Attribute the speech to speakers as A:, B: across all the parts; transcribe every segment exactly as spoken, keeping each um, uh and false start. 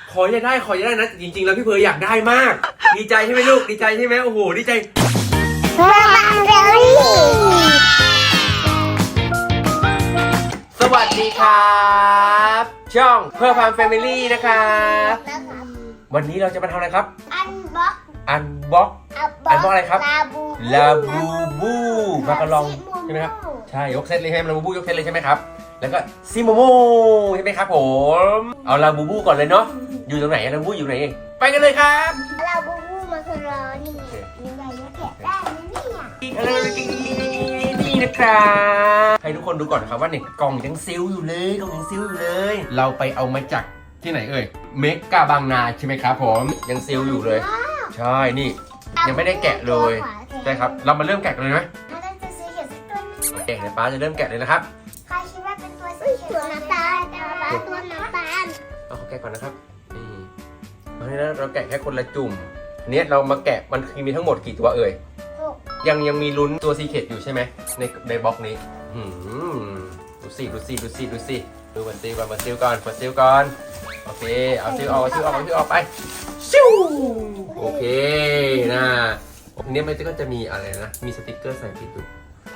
A: ขออย่าได้ขออย่าได้นะจริงๆแล้วพี่เพร์ลอยากได้มากดีใจใช่ไหมลูกดีใจใช่ไหมโอ้โหดีใจ
B: เพื่อฟังเบลลี่
A: สวัสดีครับช่องเพื่อฟังแฟมิลี่นะครับวันนี้เราจะมาทำอะไรครับ
B: อันบ็อก
A: อันบ็อกอันบ็อกอะไรครับ
B: ลาบู
A: ลาบูบูมากระลองใช่ไหมครับใช่ยกเซตเลยใช่ไหมลาบูบูยกเซตเลยใช่ไหมครับแล้วก็ซิโมโมใช่ไหมครับผมเอาลาบูบูก่อนเลยเนาะอยู่ตรงไหนลาบูบูอยู่ไหนเองไปกันเลยครับ
B: ลาบูบูมาคือรอนี่มีใบยะแกะได้ไหมเนี่ย
A: อะไรนี่นะครับให้ทุกคนดูก่อนนะครับว่าเนี่ยกล่องยังซิลอยู่เลยกล่องยังซิลอยู่เลยเราไปเอามาจากที่ไหนเอ่ยเมกาบางนาใช่ไหมครับผมยังซิลอยู่เลยใช่นี่ยังไม่ได้แกะเลยใช่ครับเรามาเริ่มแกะกันเลยไหม
B: ถ้าได้ตัวสีเขียวสักตัวนึง
A: แกะในป้าจะเริ่มแกะเลยนะครับ
B: ใครคิดว่าเป็นตัวสีเขียวตัวน้ำตาลตัวน้ำตาล
A: เอาเขาแกะก่อนนะครับนี่เพราะฉะนั้นเราแกะแค่คนละจุ่มเนี้ยเรามาแกะมันมีทั้งหมดกี่ตัวเอ่ยยังยังมีลุ้นตัวซีเคทอยู่ใช่ไหมในในบล็อกนี้ดูสิดูสิดูสิดูสิดูมันซิลก่อนมันซิลก่อนมันซิลก่อนโอเคเอาซิลออกซิลออกซิลออกไปซิวโอเคนะอันนี้มันก็จะมีอะไรนะมีสติ๊กเกอร์ใส่ติดอยู่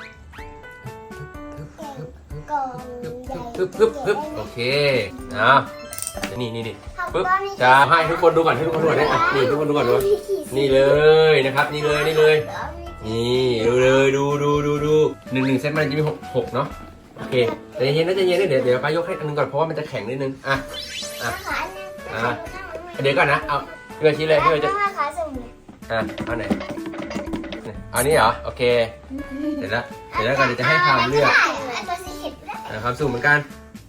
A: ปึ๊บปึ๊บปึ๊บโอเคนะนี่นี่นี่ปึ๊บจะให้ทุกคนดูก่อนให้ทุกคนดูก่อนนะนี่ทุกคนดูก่อนดูนี่เลยนะครับนี่เลยนี่เลยนี่ดูเลยดูดูดูดูหนึ่งหนึ่งเซตมันจะมีหกหกเนาะโอเคแต่เย็นนะจะเย็นเดี๋ยวเดี๋ยวป้ายกให้อันนึงก่อนเพราะว่ามันจะแข็งนิดนึงอ่ะอ่ะอ่ะเดี๋ยวก่อนนะเอาพี่ไปชี้เลยพี่ไปจะอ่ะเอาไหนเอานี้เหรอโอเคเดี๋ยวละเดี๋ยวแล้วกันเดี๋ยวจะให้พามเลือกพามสุ่มเหมือนกัน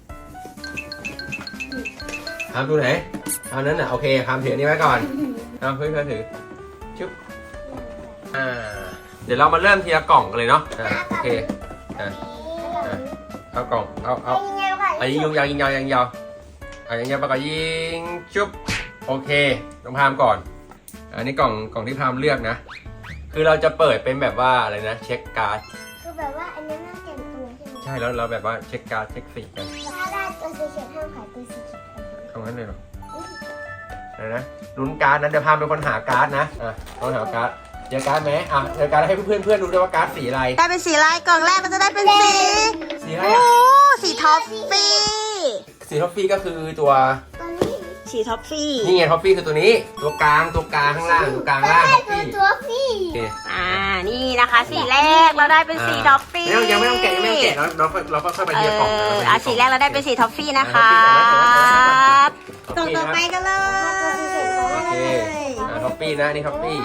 A: พามดูไหนพามนั้นน่ะโอเคพามถืออันนี้ไว้ก่อนเอาเพื่อนๆถือชุบอ่าเดี๋ยวเรามาเริ่มทีละกล่องกันเลยเนาะอ่าโอเคอ่าเอากล่องเอาเอาเอายิงยาวยิงยาวยิงยาวเอายิงยาวไปก่อนยิงชุบโอเคต้องพามก่อนอันนี้กล่องกล่องที่พามเลือกนะคือเราจะเปิดเป็นแบบว่าอะไรนะเช็คการ์ด
B: คือแบบว่าอันนี้น่าเก็บตัวใช่ไหม
A: ใช่แล้วเราแบบว่าเช็คการ์ดเช็คสีกัน
B: ถ้าได้ตัวสีเขียวห้ามขายตัวสีเขียว
A: เอางั้นเลยเหรออะไรนะลุ้นการ์ดนะเดี๋ยวพามเป็นคนหาการ์ดนะอ่ะต้องหาการ์ดเจอการ์ดไหมอ่ะเจอการ์ดให้เพื่อนเพื่อนดูด้วยว่าการ์ดสีอะไร
C: ได้เป็นสีอะไรกล่องแรกมันจะได้เป็นสี
A: สีอะไร
C: โอ้สีท็อฟฟี่
A: สีท็อฟฟี่ก็คือตัว
C: สีท็อฟฟี่
A: นี่ไงท็อฟฟี่คือตัวนี้ตัวกลางตัวกลางข้างล่างตัวกลางล่างท็อฟฟี่
B: ตัวฟี่
C: อ่านี่นะคะสีแรกเราได้เป็นสีท็อฟฟี่
A: ยังไม่ต้องแกะยังไม่ต้องแกะเราเราเราค่อยไปเทียบกล่อง
C: อ่ะสีแรกเราได้เป็นสีท็อฟฟี่นะคะกล่องต่อไปกันเลย
A: โอเคท็อฟฟี่นะนี่ท็อฟฟี่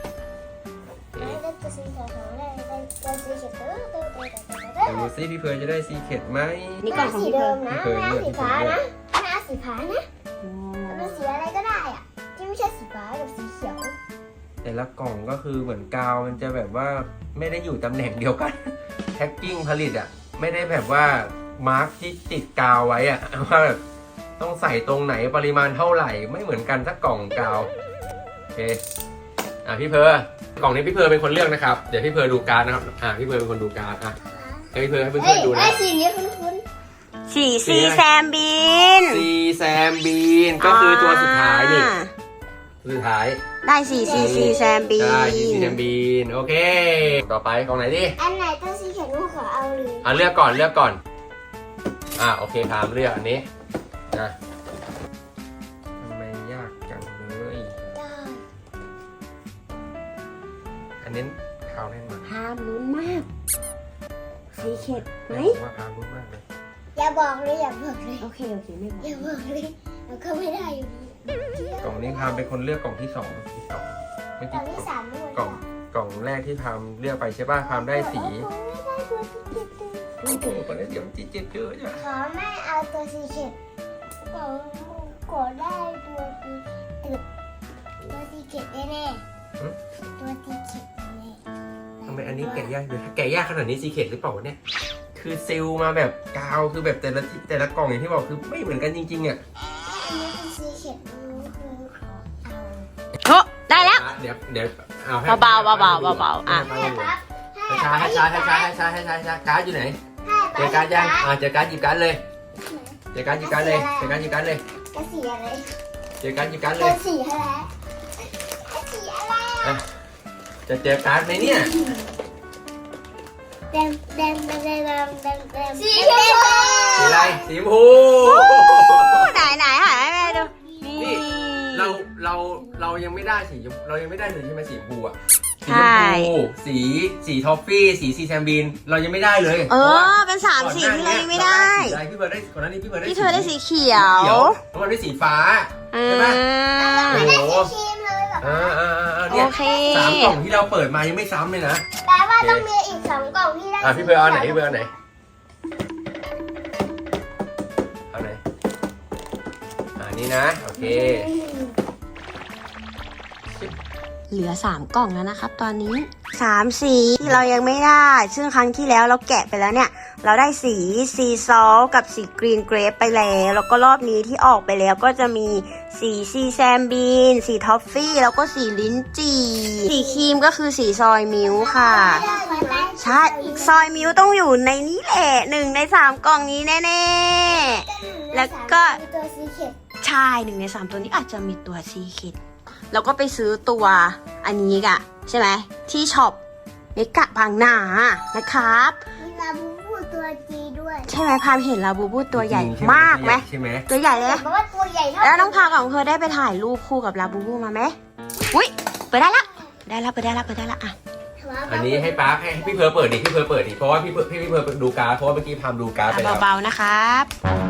A: ดูซิพี่เพร์ลจะได้ซีเคทไหม
C: นี่กล่องของ
B: สี
C: พี่
B: เดิ
C: เพร์ล
B: มนะไม่เอาสีฟ้านะไม่เอาสีฟ้านะเป็นสีอะไรก็ได้อะที่ไม่ใช่สีฟ้ากับสีเขียว
A: แต่ละกล่องก็คือเหมือนกาวมันจะแบบว่าไม่ได้อยู่ตำแหน่งเดียวกันแพ็คกิ้งผลิตอ่ะไม่ได้แบบว่ามาร์กที่ติดกาวไว้อ่ะว่าแบบต้องใส่ตรงไหนปริมาณเท่าไหร่ไม่เหมือนกันสักกล่องกาวโอเคอ่ะพี่เพร์ลกล่องนี้พี่เพร์ลเป็นคนเลือกนะครับเดี๋ยวพี่เพร์ลดูการ์ดนะครับอ่ะพี่เพร์ลเป็นคนดูการ์ดอ่ะให้พี่เพร์ลให้เพื่อนๆดูนะ
B: สีนี้คุ้น
C: ๆสีซีแซมบีน
A: ซีแซมบีนก็คือตัวสุดท้ายนี่สุดท้าย
C: ได้สีซีซีแซมบีน
A: ได้สีซีแซมบีนโอเคต่อไปกล่องไหนดิ
B: อันไหนตัวสีเขียวลูกขอเอาเลย
A: อ่ะเลือกก่อนเลือกก่อนอ่ะโอเคพามเลือกอันนี้นะทำไมยากจังเลยอันนี้ขาวแน่นมาก
C: พามลุ้นมากสีเข็ดไหม
A: ว่าพามลุ้นมากเลย
B: อย่าบอกเลยอย่าบอกเลย
C: โอเคโอเคไม่บอก
B: อย่าบอกเลยแล้วก็ไม่ได้อยู่ดี
A: กล่องนี้พามเป็นคนเลือกกล่องที่สองที่สองไม่
B: กล่องที่สามด้วย
A: กล่องกล่องแรกที่พามเลือกไปใช่ป่ะพามได้สีโอ้โหตอนนี้เดี๋ยวจีเจ็ดเยอะจ้ะ
B: ขอไม่เอาตัวสีเขียวกล่องกดได้ตัวสีตึกตัวสีเขียวแน่ๆตัวสีเขียวแน่
A: ทำไมอันนี้แกะยากเลยถ้าแกะยากขนาดนี้ซีเคทหรือเปล่าเนี่ยคือซิลมาแบบกาวคือแบบแต่ละแต่ละกล่องอย่างที่บอกคือไม่เหมือนกันจริงๆอ่ะ
B: อันนี้เป็นสีเขียวคือเอา
C: โอ้ได้แล้ว
A: เดี๋ยวเดี๋ยวเอาให้
C: เบาๆเบาๆเบาๆอ่ะ
A: ให้ช้าให้ช้าให้ช้าให้ช้าให้ช้าให้ช้าการ์ดอยู่ไหนเจอการ์ดยังอ่าเจอการ์ดหยิบการ์ดเลยเจอการ์ดหยิบการ์ดเลยเจอการ์ดหยิบการ์ดเลย
B: กระสีอะไร
A: เจอการ์ดหยิบการ์ด
B: เธ
A: เล
B: อย สีอะไรสีอะไร
A: อ่ะจะเจอการ์ดไหมเนี่ย
B: แดงแดงแดงแดงแดงแดงแดงสีชมพู
A: สีอะไรสีชมพู
C: ไหนไหนหาให้แม่ดู
A: นี่
C: นี่
A: เราเราเรายังไม่ได้สีชมเรายังไม่ได้เลยใช่ไหมสีชมพูอะสี
C: ใช่
A: ชมพูสีสีทอฟฟี่สีซีแซมบีนเรายังไม่ได้เลย
C: เออเป็นสามสีที่เรายังไม่ได้
A: สีอะไรพี่เบิร์ดได้ก่อนหน้านี้พี่เบิร์ดได้
C: พี่เธอได้สีเขีย
A: เขียว
C: ว
A: แล้วมันได้สีฟ้า
C: อ่
A: ใช่ไหม
C: า
B: ไม่ได้สีครีมเลยแบบ
A: อ่าอ่าอ่าเนี่ย
C: โอเค
A: สามกล่องที่เราเปิดมายังไม่ซ้ำเลยนะ
B: แปลว่าต้องมีอีกสองกล่องที่ได้
A: อ่ะพี่เบิร์ดเอาไหนพี่เบิร์ดเอาไหนเอาไหนอ่านี่นะโอเค
C: เหลือสามกล่องแล้วนะครับตอนนี้สามสีที่เรายังไม่ได้ซึ่งครั้งที่แล้วเราแกะไปแล้วเนี่ยเราได้สีซีซอลกับสีกรีนเกรปไปแล้วแล้วก็รอบนี้ที่ออกไปแล้วก็จะมีสีซีแซมบีนสีทอฟฟี่แล้วก็สีลิ้นจี่สีครีมก็คือสีซอยมิลค์ค่ะใช่ซอยมิลค์ต้องอยู่ในนี้แหละหนึ่งในสามกล่องนี้แน่ๆแล้วก็
B: ตัวสีเขียว
C: ใช่หนึ่งในสามตัวนี้อาจจะมีตัวซีคิดแล้วก็ไปซื้อตัวอันนี้กะใช่ไหมที่ช็อปเมกะบางนานะครับ
B: มีลาบูบูตัวจีด้วย
C: ใช่ไหมพามเห็นลาบูบูตัวใหญ่มากไหม
A: ใช่ไหม
C: ตัวใหญ่เลย
B: เพราะว่าตัวใหญ่เท่า
C: แล้วน้องพามกับน้องเธอได้ไปถ่ายรูปคู่กับลาบูบูมาไหมอุ้ยเปิดได้ละได้ละเปิดได้ละเปิดได้ละอ่ะ
A: อันนี้ให้ป๊าให้พี่เพิร์ลเปิดดิพี่เพิร์ลเปิดดิเพราะว่าพี่เพิร์ลพี่พี่เพิร์ลดูการ์ดเพราะว่าเมื่อกี้พามดูการ์ดไปแล้ว
C: เบาๆนะครับ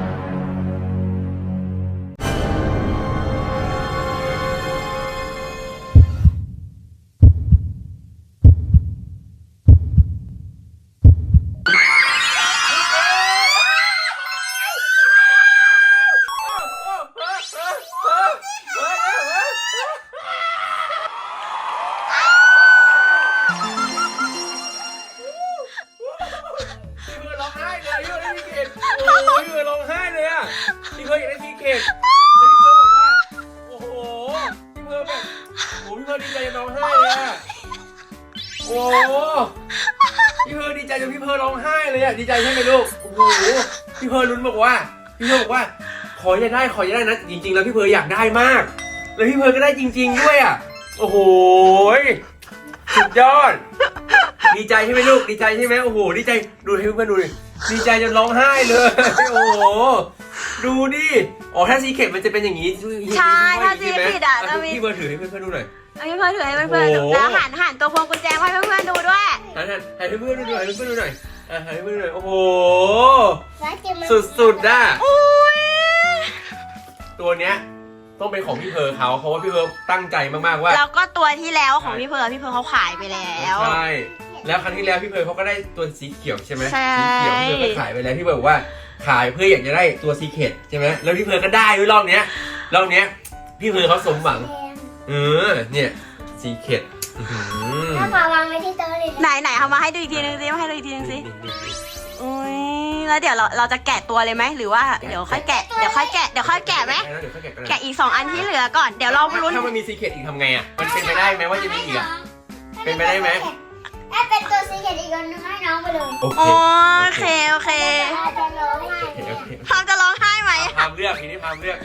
A: พี่เพิร์ลร้องไห้เลยพี่เพิร์ลได้ทีเกตโอ้ยพี่เพิร์ลร้องไห้เลยอ่ะพี่เพิร์ลอยากได้ทีเกตแล้วพี่เพิร์ลบอกว่าโอ้โหพี่เพิร์ลแบบโอ้พี่เพิร์ลดีใจจนร้องไห้เลยอ่ะโอ้พี่เพิร์ลดีใจจนพี่เพิร์ลร้องไห้เลยอ่ะดีใจใช่ไหมลูกโอ้โหพี่เพิร์ลลุ้นบอกว่าพี่เพิร์ลบอกว่าขออย่าได้ขออย่าได้นะจริงๆแล้วพี่เพิร์ลอยากได้มากแล้วพี่เพิร์ลก็ได้จริง ๆด้วยอ่ะโอ้โหสุดยอดดีใจใช่ไหมลูกดีใจใช่ไหมโอ้โหดีใจดูให้เพื่อนๆดูดิดีใจจนร้องไห้เลยโอ้โหดูดิอ๋อถ้าซีเค็ดมันจะเป็นอย่างนี้
C: ใช่ถ้าซีเค็ดอ่ะจะมี
A: พี่เบอร์ถือให้เพื่อนๆดูหน่อย
C: เอาพี่เพื่อนถือให้เพื่อนๆดู
A: โอ้โห
C: แล้วหันหันตัวพวงกุญแจให้เพื่อนๆดูด้วย
A: หันหันให้เพื่อนๆดูหน่อยให้เพื่อนๆดูหน่อยอ่ะให้เพื่อนๆดูหน่อยโอ้โห
B: แล้วจะมา
A: สุดๆอ่ะ
C: โอ้ย
A: ตัวเนี้ยต้องเป็นของพี่เพอร์เขาเพราะว่าพี่เพอร์ตั้งใจมากๆว่า
C: แล้วก็ตัวที่แล้วของพี่เพร์ลพี่เพร์ลเขาขายไปแล้ว
A: ใช่แล้วครั้งที่แล้วพี่เพอร์เขาก็ได้ตัวสีเขียวใช่ไหม
C: ใช่
A: สีเขียวพี่เพอร์ก็ขายไปแล้วพี่เพอร์บอกว่าขายเพื่ออยากจะได้ตัวซีเคร็ตใช่ไหมแล้วพี่เพอร์ก็ได้ด้วยรอบเนี้ยรอบเนี้ยพี่เพอร์เขาสมหวัง
B: แดง
A: เออเนี่ยซีเคร็ตอื้อหือ
B: ถ้าพาวางไว้ที่โต๊ะเลย
C: ไหนไหนเอามาให้ดูอีกทีนึงสิมาให้ดูอีกทีนึงสิ
A: นี่นี่นี่
C: อุ้ยแล้วเดี๋ยวเราเราจะแกะตัวเลยไหมหรือว่าเดี๋ยวค่อยแกะเดี๋ยวค่อยแกะเดี๋ยวค่อยแกะไหม
A: เดี๋ยวค่อยแกะกันนะ
C: แกะอีกสองอันที่เหลือก่อนเดี๋ยวเราลุ้น
A: ถ้ามันมีซีเคร็ตอีกทำไงอ่ะมันเป็นไปได้ไหมว่าจะมีอีกอ่ะ เป็นไปได้ไหม
B: ถ้าเป็นตัวสีเขียวอีกคนนึงให้น้องไปเลย
A: โอเค
C: โอเคโอเค
B: เราจะร้องไห้
A: โอเคโอเค
C: พามจะร้องไห้ไหม
A: พามเลือกทีนี้พามเลือก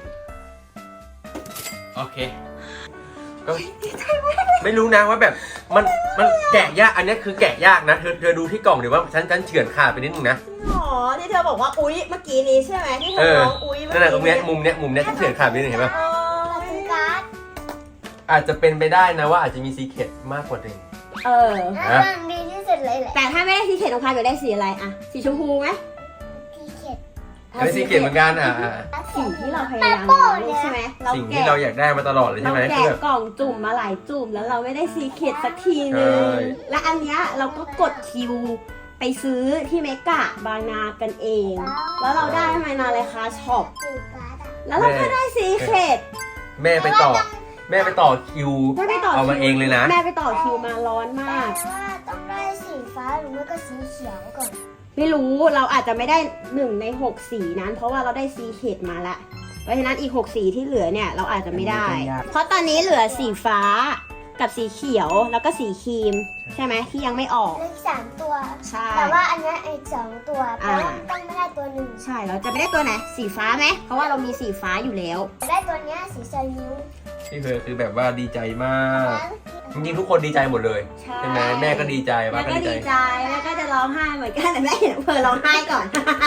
A: โอเคก็ไม่รู้นะว่าแบบมันมันแกะยากอันนี้คือแกะยากนะเธอเธอดูที่กล่องเดี๋ยวว่าฉันฉันเฉือนขาดไปนิดนึงนะ
C: อ๋อที่เธอบอกว่าอุ๊ยเมื่อกี้นี้ใช่ไหมที่เธ
A: เอ
C: อ
A: อ
C: ร้องอุ๊ยเมื่อ
A: นั่นแหละตรง
C: กี้
A: เนี้ยมุมเนี้ยมุมเนี้ยฉันเฉือนขาดไปนิดนึงเห็นปะ
C: อ๋อ
B: เราซื้อการ์ด
A: อาจจะเป็นไปได้นะว่าอาจจะมีซีเคร็ตมากกว่าหนึ่ง
C: เออ
B: แล้วมันดีที่สุดเลยแหละ
C: แต่ถ้าไม่ได้สีเขียวของพามอยากได้สีอะไรอะสีชมพูไหม
B: สีเขียว
A: อันนี้ซีเคร็ตเหมือนกันอ่ะอ่ะ
C: สิ่งที่เราพยายามเรียนรู้ใช่ไหมเรา
A: สิ่งที่
C: แกะ
A: เราอยากได้มาตลอดเลยใช่
C: เรา
A: ไหม
C: แกะ
A: คือแบบ
C: กล่องจุ่มมาหลายจุ่มแล้วเราไม่ได้ซีเค็ดสักทีนึง
A: ใช่
C: และอันเนี้ยเราก็กดคิวไปซื้อที่เมกะบางนากันเอง แล้วเราได้มานาเลยค่ะช็อป
B: ซื้อการ์ดอะ
C: แล้วเราก็ได้ซีเค็ด
A: แม่ไปต่อ แม่ไปต่อคิว
C: แม่ไปต่อ
A: เอามา
C: คิว
A: เองเลยนะ
C: แม่ไปต่อคิวมาร้อนมาก
B: แต่ว่าต้องได้สีฟ้าหรือไม่ก็สีเขียวก่อน
C: ไม่รู้เราอาจจะไม่ได้หนึ่งในหกสีนั้น เพราะว่าเราได้ซีเค็ดมาละเพราะฉะนั้นอีกหกสีที่เหลือเนี่ยเราอาจจะไม่ได้ เพราะตอนนี้เหลือสีฟ้ากับสีเขียวแล้วก็สีครีมใช่ไหมที่ยังไม่ออก
B: เลขสามตัว
C: ใช่
B: แต่ว่าอันเนี้ยอีกสองตัวเพ
C: อ่า
B: ราะว่าต้องไม่ได้ตัวหนึ่ง
C: ใช่เราจะไม่ได้ตัวไหนสีฟ้าไหมเพราะว่าเรามีสีฟ้าอยู่แล้ว
B: ได้ตัวเนี้ยสีชายิ้ว
A: พี่เพิร์คือแบบว่าดีใจมากจริงๆทุกคนดีใจหมดเลยใช่ไหมแม่ก็ดีใจ
C: แม่
A: ป้าก็
C: ก็
A: ดีใจ
C: ดีใจแม่ก็จะร้องไห้เหมือนกันแต่แม่เห็นเพอร้องไห้ก่อน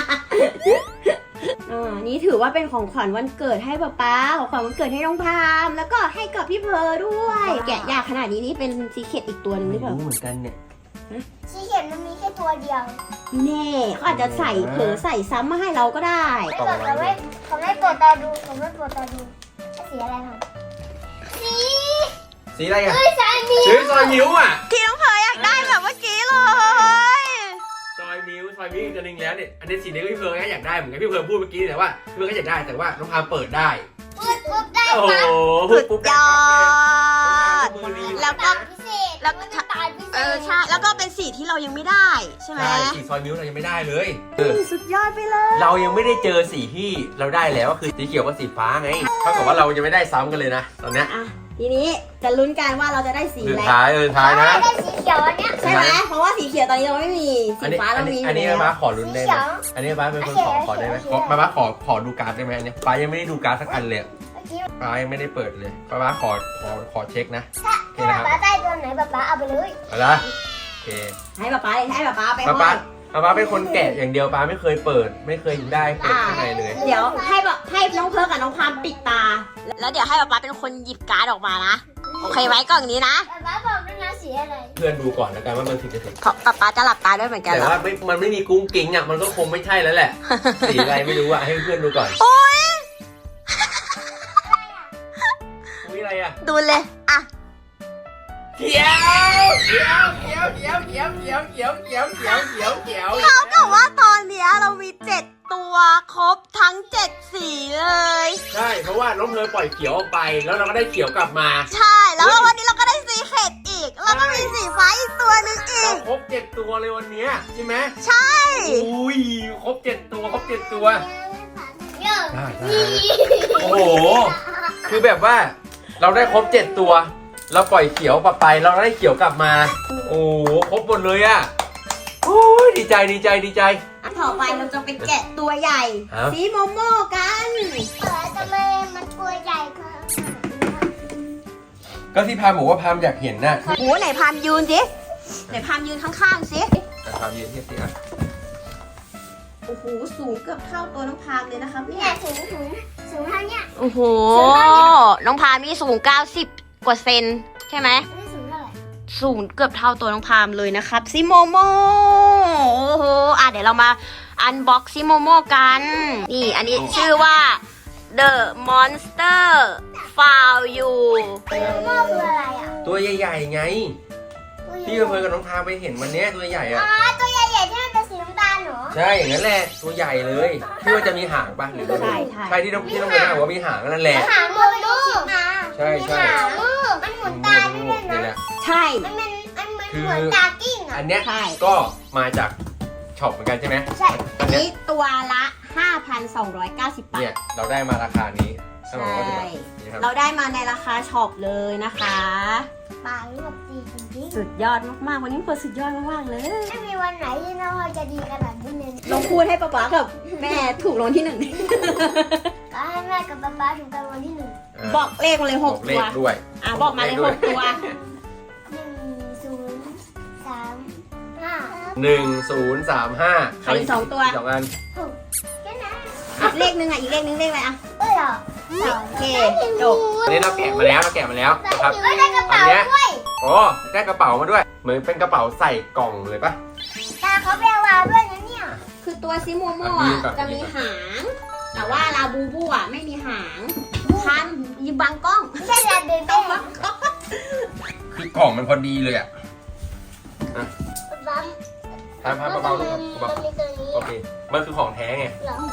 C: อ่านี่ถือว่าเป็นของขวัญวันเกิดให้ป๊าป๊าของขวัญวันเกิดให้น้องพามแล้วก็ให้กับพี่เพอด้วย แกะยากขนาดนี้นี่เป็นซีเคร็ตอีกตัวหนึงหรือเปล่า
A: รู้เหมือนกันเนี่ย
B: สีเขียวมันมีแค่ตัวเดียว
C: แน่เขาอาจจะใส่เผลอใส่ซ้ำมาให้เราก็ได้
B: ไม่บอกเขาไม่เขาไม่เปิดตาดูเขาไม่เปิดตาดูสีอะไรคะสี
A: สีอะไรอ่ะ
B: เอ้ยสายนี้
A: สีซอยมิ้วอ่ะ
C: ที่น้องเพออยากได้แบบเมื่อกี้เลย
A: ซอยมิ้วซอยมิ้วอีกตัวหนึงแล้วเนี่ยอันนี้สีนี้ก็พี่เพิร์ก็อยากได้เหมือนกันพี่เพิร์พูดเมื่อกี้แต่ว่าพี่เพิร์ก็อยากได้แต่ว่าน้องพามเปิดได้
B: ปุ๊บปุ๊บได้
A: โอ้โห
B: ปั๊บ
A: พูดปุ๊บ
C: ย
A: ได้
C: อ
A: ปั๊บ
C: ด
A: เลยน้องพามมือดี
C: แล้วก็
B: พิเศษ
C: แล้ว
B: มันน้ำตาลพิเศษ
C: เออใช่แล้วก็เป็นสีที่เรายังไม่ได้ใช่ไหม
A: ใช่สีซอยมิ้วเรายังไม่ได้เลยเออ
C: สุดยอดไปเลย
A: เรายังไม่ได้เจอสีที่เราได้แล้วก็คือสีเขียวกับสีฟ้าไงเท่ากับว่าเราจะไม่ได้ซ้ำกันเลยนะตอนเนี้ย
C: อ่ะทีนี้จะลุ้นกันว่าเราจะได้สี
A: สุด
C: อะไร
A: ท้ายเออท้ายนะ
B: ได้สีเขียวอันเนี้ย
C: ใช่ไหมเพราะว่าสีเขียวตอนนี้เราไม่มีสี
A: อันนี้
C: ฟ้า
A: อั
C: เรา
A: น
C: มี
A: นี้
C: อยู่
A: อันนี้
C: แล้ว
A: ป้าขอลุ้นได้ไหมอันนี้ป้าเป็นคนขอขอได้ไหมขอป้าป้าขอขอดูการ์ดได้ไหมอันนี้ป้ายังไม่ได้ดูการ์ดสักอันเลย
B: เมื่อกี้
A: ป้ายังไม่ได้เปิดเลยป้าป้าขอขอขอเช็คนะ
B: ถ้า
A: โอเค
B: ถ้า
A: นะครับ
B: ป๊าได้ตัวไหนป๊าป๊าเอาไปเลย
A: เอาละโอเค
C: ให้ป๊าป๊าเลยให้ป๊าป๊าไป
A: ป้า
C: ห้
A: ป้า
C: อย
A: ป้าป้าเป็นคนแกะอย่างเดียวป้าไม่เคยเปิด ไม่เคยได้เปิดข้างในเลย
C: เดี๋ยวให้แบบให้น้องเพิร์กกับน้องพามปิดตา แล้วเดี๋ยวให้ป๊าป๊าเป็นคนหยิบการ์ดออกมานะโอเคไหมกล่องนี้นะ
B: ป๊าป๊าบอกด้วยนะสีอะไร
A: เพื่อนดูก่อนแล้วกันว่ามันถึงจะถึง
C: เพราะป๊าป๊าจะหลับตาด้วยเหมือนกัน
A: แต่
C: เหรอ
A: ว่าไม่มันไม่มีกุ้งกิ้งอ่ะมันก็คงไม่ใช่แล้วแหละ สีอะไรไม่รู้อ่ะให้เพื่อนดูก่อน
C: โอ๊ย
A: อุ้ยอะไรอ่ะ
C: ดูเลยอ่ะ
A: เขียวเขียวเขียวเขียวเขียวเขียวเขียวเขียวเขียวเขียวเขียว
C: เท่ากับว่าตอนเนี้ยเรามีเจ็ดตัวครบทั้งเจ็ดสีเลย
A: ใช่เพราะว่าน้องเพลปล่อยเขียวออกไป แล้วเราก็ได้เขียวกลับมา
C: ใช่แล้ววันนี้เราก็ได้สีเข็ดอีก แล้วก็มีสีฟ้าอีกตัวหนึงอี
A: เรา
C: ก
A: ครบเจ็ดตัวเลยวันเนี้ยใช่ไหม
C: ใช่
A: อุ้ยครบเจ็ดตัวครบเจ็ดตัว
B: เยอะ
A: ได้ได้ โอ้โห คือแบบว่าเราได้ครบเจ็ดตัว เราปล่อยเขียวไปเราได้เขียวกลับมา โอ้โหครบหมดเลยอ่ะโอ้ยดีใจดีใจดีใจ
C: ต่อไปเราจะไปแกะตัวใหญ่
A: ครับ
C: สีโมโม่กัน
B: เออทำไมมันตัวใหญ่ค่ะ
A: ก็ที่พามบอกว่าพามอยากเห็นน่ะ
C: โอ้โหไหนพามยืนสิไหนพามยืนข้างๆสิ
A: แต่พามยืนเทียบสิอ่ะ
C: โอ้โหสูงเกือบเท่าตัวน้องพามเลยนะครับเนี่
B: เนี่ย ยสูงสูงสูงเท่าเนี้ย
C: โอ้โหน้องพามนี่สูงเก้าสิบกว่าเซนใช่ไหม
B: ไม่สูงเท่าไหร่
C: สูงเกือบเท่าตัวน้องพามเลยนะครับซิโมโมโอ้โหอ่ะเดี๋ยวเรามาอันบ็อกซิโมโมกัน นี่อันนี้ชื่อว่า The Monster Found You
B: โม่คืออะไรอ่ะ
A: ตัวใหญ่ๆไง พี่เพลินกับน้องพามไปเห็นวันเนี้ยตัวใหญ่อ่ะ
B: อ๋อตัวใหญ่ๆที่มันเป็นสีน้ำตาลเหรอ
A: ใช่อย่างนั้นแหละตัวใหญ่เลยที่ว่าจะมีหางปะหรือว่า
C: ใช่ใช่
A: ใช่ที่น้องที่น้องเพลินบอกว่ามีหางนั่นแหละ
B: หางมือลูก
A: ใช่ใช่
B: หางมือมันหมุนตาด้วย
A: นี่
B: นะ
A: แหละ
C: ใช่
B: มันมันมันเหมือนเหมือนตากิ้งอ่ะ
A: อันเนี้ย
C: ใช่
A: ก็มาจากช็อปเหมือนกันใช่ไหม
B: ใช่
A: อันเนี้ย
C: นี่ตัวละ ห้าพันสองร้อยเก้าสิบ บา
A: เนี่ย
C: ท
A: เราได้มาราคานี้
C: ใช่
A: ห้าร้อยเก้าสิบบาทนี่ครับ
C: เราได้มาในราคาช็อปเลยนะคะ
B: ปากรวบดีจริง
C: สุดยอดมากๆ วันนี้เฟิร์นสุดยอดมากๆเลย
B: ๆไม่มีวันไหนที่น้องพลอยจะดีขนาดนี้เลย
C: ลองพูดให้ป๊าป๊ากับแม่ถูกรางวัลที่หนึ่ง
B: ก็ให้แม่กับป๊าป๊าถูกรางวัลที่หนึ่ง
A: า
C: บอกเลขมาเลยห
A: บอก กเล
C: ตัว
A: ขด้วย
C: อ่ะบอกมาเลยหกตัว
B: หนึ่งศูนย์สามห้า
A: หนึ่งศูนย์สามห้า
C: ขายอีกสองตัว
A: สองอัน
B: หกแค่นั้น
C: อีกเลขหนึ่งอ่ะ อีกเลขหนึ่งเลขอะไรอ่ะ
B: เอ้ยเหรอ
C: โอเคจบ
A: อันนี้เราแกะมาแล้วเราแกะมาแล้วนะครับ
B: เอ้ยได้กระเป๋า
A: อันเนี้ย
B: ด้วย
A: โอ้ได้กระเป๋ามาด้วย เหมือนเป็นกระเป๋าใส่กล่องเลยปะ
B: ตาเขาแปลว่าด้วยนะเนี่ย
C: คือตัวซิโมโม
A: อันนี้
C: อ่ะ
A: ก่อน
C: จะมีหาง แต่ว่าลาบูบูอ่ะไม่มีหางคันยิงบังกล้อง
B: ไม่ใช่ลาเบเบ้
C: บังกล้อง
A: คือกล่องมันพอดีเลยอ่ะ
B: บัม
A: ทำทำเบาๆลูกเบา
B: มันมีตัวนี้
A: ๆโอเค มันคือของแท้ไง
B: เหรอ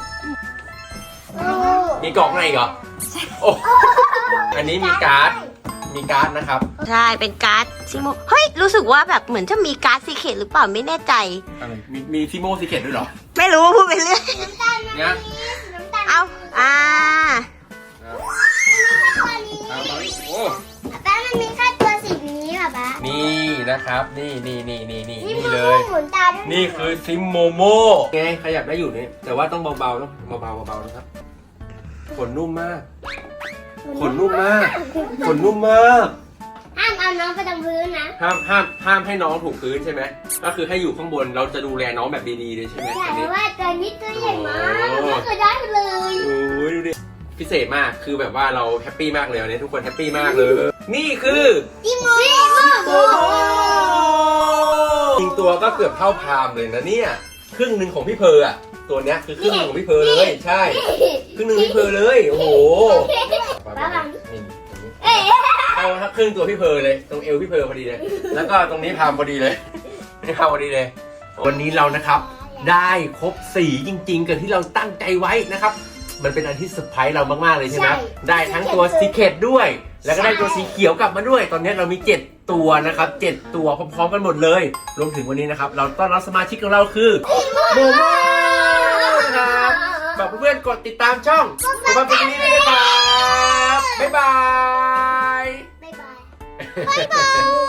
A: มีกล่องในอีกเหรอโอ้อันนี้มีการ์ด มีการ์ดนะครับ
C: ใช่ เป็นการ์ดซิโม เฮ้ย รู้สึกว่าแบบเหมือนจะมีการ์ดซีเคร็ตหรือเปล่าไม่แน่ใจ
A: อะไร มีมีซิโมซิเกตด้วยเหรอ
C: ไม่รู้พูดไปเรื่อย
B: น้ำตาลมัน
A: เนี่ย
B: มีน้ำตาล
C: เอา อ่า
B: ตัวนี้
A: เอาเอาอีกโอ้
B: แป้งมันมีแค่ตัวสีนี้
A: นะครับ นี่นี่นี่นี่นี่
B: นี่
A: นี่
B: มื
A: เล
B: อย หมุนตาด้วย
A: นี่คือซิมโมโมไงขยับได้อยู่นี่แต่ว่าต้องเบาๆเนาะเบาๆเบาๆนะครับขนนุ่มมากขนนุ่มมากขนนุ่มมาก
B: ห้ามเอาน้องไปตรงพื้นนะ
A: ห้ามห้ามห้ามให้น้องถูกพื้นใช่ไหมก็คือให้อยู่ข้างบนเราจะดูแลน้องแบบดีๆเลยใช่ไหม
B: แต่
A: อันนี้
B: ว่าตัวนี้ตัวใหญ่มากไม่เคยได้เลย
A: โอ้ยดูดิพิเศษมากคือแบบว่าเราแฮปปี้มากเลยวันนี้ทุกคนแฮปปี้มากเลย นี่คือ
B: จิโมโม
A: โอ้โหจริงตัวก็เกือบเท่าพามเลยนะเนี่ยครึ่งหนึ่งของพี่เพอร์อะตัวเนี้ยคือครึ่งหนึ่งของพี่เพอร์เลยใช่ครึ่งหนึ่งพี่เพอร์เลยโอ้โหนี่เอาถ้าครึ่งตัวพี่เพอร์เลยตรงเอวพี่เพอร์พอดีเลยแล้วก็ตรงนี้พามพอดีเลยนี่พามพอดีเลยวันนี้เรานะครับได้ครบสีจริงๆกับที่เราตั้งใจไว้นะครับมันเป็นอันที่เซอร์ไพรส์เรามากๆเลยใช่ไหมได้ทั้งตัวซีเคทด้วยแล้วก็ได้ตัวสีเขียวกลับมาด้วยตอนนี้เรามีเจ็ดตัวนะครับเจ็ดตัวพร้อมๆกันหมดเลยรวมถึงวันนี้นะครับเราต้อนรับสมาชิกของเราคือโมโมนะครับบอกเพื่อนๆกดติดตามช่องสุภาพบุรุษนี้ด้วยนะครับบ๊ายบาย
B: บ๊ายบายบ๊ายบาย